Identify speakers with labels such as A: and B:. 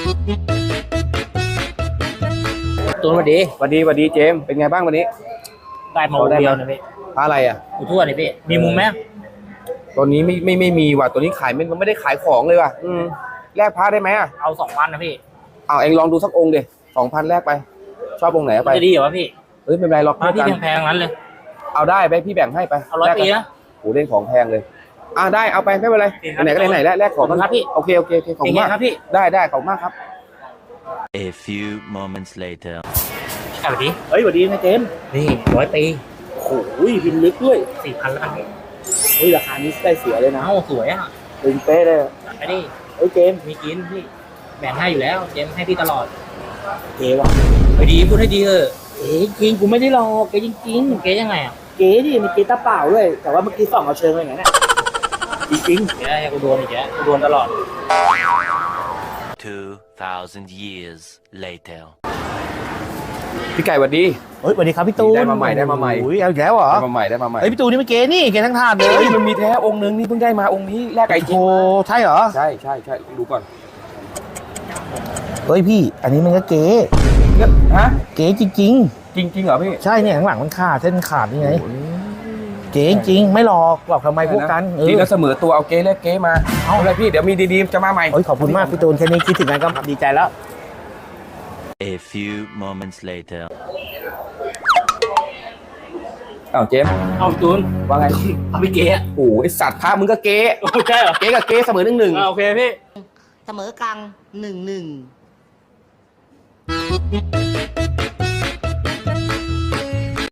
A: ตูนสวัสดี
B: สวัสดีสวัสดีเจมส์เป็นไงบ้างวันนี้
A: ได้มาเดียวนะพี่
B: อะไรอ่ะ
A: อยู่ทั่วเลยพี่มีมุมไหม
B: ตอนนี้ไม่มีว่ะตัวนี้ขายไม่ได้ขายของเลยว่ะแลกพระได้ไหมอ่ะ
A: เอา2,000นะพี่
B: เอาเองลองดูสักองค์ดิ2,000แลกไปชอบองค์ไหนไป
A: จะดีเหรอวะพี่
B: เฮ้ยไม่เป็นไรหรอก
A: ที่แพงๆนั้นเลย
B: เอาได้ไปพี่แบ่งให้ไป
A: เอา100 ปีนะ
B: โหเล่นของแพงเลยได้เอาไปไม่เป็นไรไหนก็ไหนแลกของกัน
A: ครับพี่
B: โอเคของมาก
A: ครับพี่
B: ได้ของมากครับ
C: A few moments later
A: สวัสดี
B: เฮ้ยสวัสดีนะเจมส์
A: นี่100 ปี
B: โอ้โหพิมพ์ลึกด้วย
A: 4,000แล้วกันพี่
B: เฮ้ยราคานี้ได้เสียเลยนะ
A: สวยอ่ะ
B: ตึงเป๊ะเลย
A: ไปดิ
B: เฮ้ยเจมส์
A: มีกินพี่แบ่งให้อยู่แล้วเจมให้พี่ตลอด
B: เก๋ว่ะ
A: ไปดีพูดให้ดีเถอะ
B: เก๋จริงกูไม่ได้หลอกเก๋จริง
A: เก๋ยังไงอ่ะ
B: เก๋ดิมันเก๋ตาเปล่าด้วยแต่ว่าเมื่อกี้ส่องเอาเชิงอะไรอย่างเงี้ยจริง
A: เดี๋ยวกูโดนอีกแล้วกูโดนตลอด
C: 2,000 years later
B: พี่ไก่สวัสดี
D: เฮ้ยสวัสดีครับพี่ตูน
B: ได้มาใหม่
D: อุ้ยเอาอีกแล้วเหรอ
B: ได้มาใหม่
D: เฮ้ยพี่ตูนนี่มันเก๋นี่เก๋ทั้งถาดเลย
B: มันมีแท้องค์นึงนี่เพิ่งได้มาองค์นี้แลกไก่จริง
D: โอ้ใช่เหรอ
B: ใช่ดูก่อน
D: เฮ้ยพี่อันนี้มันก็เก๋
B: ฮะ
D: เก๋จริง
B: เหรอพี่
D: ใช่เนี่ยข้างหลังมันขาดเส้นขาดนี่ไงเก๋จริงไม่หลอกทำไมพวกกัน
B: จริงแล้วเสมอตัวเอาเก๋แลกเก๋มาเอาเลยพี่เดี๋ยวมีดีๆจะมาใหม่
D: เฮ้ยขอบคุณมากพี่ตูนแค่นี้คิดถึงกันก็ดีใจแล้ว
C: A few moments later
B: เจมส์
A: ตูน
B: ว่าไง
A: เอาพี่เก๋
B: โอ้ไอสัตว์พามึงก็เก๋
A: ใช่เหรอ
B: เก๋กับเก๋เสมอ1-1
A: โอเคพี่
E: เสมอกลาง1-1